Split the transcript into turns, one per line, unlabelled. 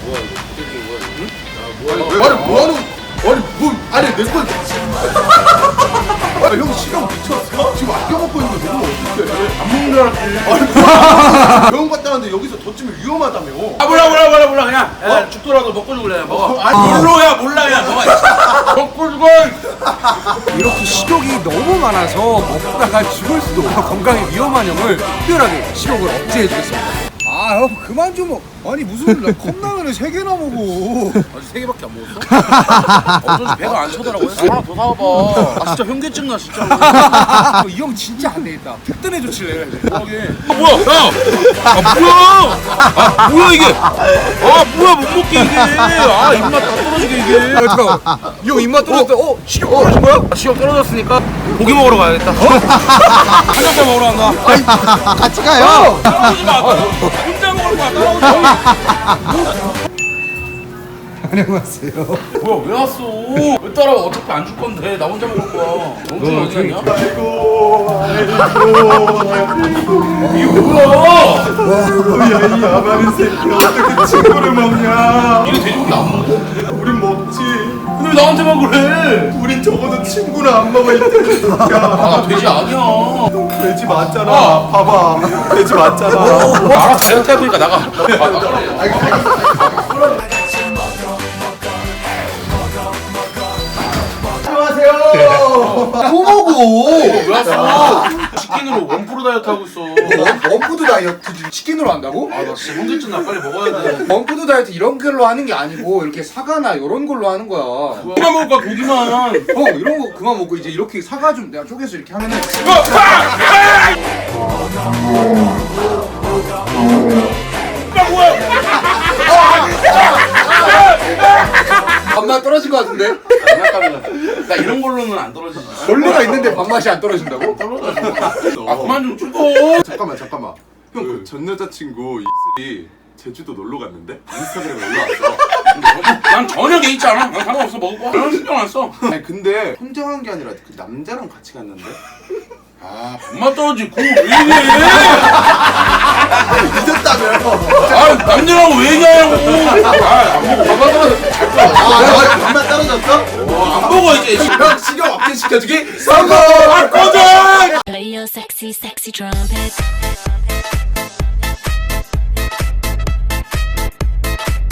뭐야 이거 부대끼는 거야 지금?
아니 뭐하는 아니 내 건. 형 시간 미쳤어? 지금 아껴 먹고 있는데 내가 어떡해?
안 먹는 줄 알았지.
병원 갔다 왔는데 여기서 더 찌면 위험하다며.
아 몰라 그냥 죽더라도 먹고 죽을래 그냥 먹어.
아니,
몰라 그냥 먹어. 먹고 죽어.
이렇게 식욕이 너무 많아서 먹다가 죽을 수도 건강에 위험한 형을 특별하게 식욕을 억제해주겠습니다. 아 형 그만 좀 아니 무슨 컵라면을 3개나 먹어.
아직 3개밖에 안 먹었어? 어쩐지 배가 안 차더라고요. 하나 더 사와봐. 아 진짜 현기증 나 진짜.
이 형 진짜 안 되겠다. 특단의 조치를 해야 돼.
뭐야 야! 뭐야 이게? 뭐야 못 먹게 이게. 입맛 다 떨어지게 이게.
잠깐만 이 형 입맛 떨어졌다. 식욕 떨어진 거야?
시간 떨어졌으니까 고기 먹으러 가야겠다. 한정만 먹으러 간다.
같이 가요.
따라오지 마. 혼자 먹을 거야. 따라오지 마.
안녕하세요.
뭐야 왜 왔어? 왜 따라와? 어차피 안 줄 건데 나 혼자 먹을 거야. 영준이 어디 갔냐? 이게 뭐야?
야이 야바는 새끼 어떻게 친구를 먹냐?
이게 돼지고기 안 먹어?
우린 먹지.
근데 왜 나한테만 그래?
우린 적어도 친구는 안 먹을 테니까.
나 돼지 아니야.
돼지 맞잖아. 봐봐. 돼지 맞잖아.
알아 다이어트 할 거니까 나가.
안녕하세요. 또 먹어.
왜 왔어? 치킨으로 원프로 다이어트 하고 있어.
원푸드 다이어트 치킨으로 한다고?
나 진짜 현기증 나 빨리 먹어야 돼.
원푸드 다이어트 이런 걸로 하는 게 아니고 이렇게 사과나 이런 걸로 하는 거야.
고기만 먹을 거야 고기만.
형 이런 거 그만 먹고 이제 이렇게 사과 좀 내가 쪼개서 이렇게 하면은 밥맛 떨어진 거 같은데?
나 이런 걸로는 안 떨어지지.
벌레가 있는데 밥맛이 안 떨어진다고?
그만 좀 죽어.
잠깐만. 형 그 전 여자친구 이슬이 제주도 놀러 갔는데 인스타그램에 올라왔어.
난 전혀 개 있지 않아. 난 상관없어 먹을 거야. 난 신경 안 써.
아니 근데 혼자 간 게 아니라 그 남자랑 같이 갔는데.
밥맛 떨어지. 그거 왜 이래?
늦었다며.
남들하고 왜 얘기하냐고. 안 먹어. 밥맛 떨어져.
밥맛 떨어졌어?
안 먹어 이제.
형 식욕 없게 시켜주기
성공!
꺼져!
Play your sexy, sexy trumpet.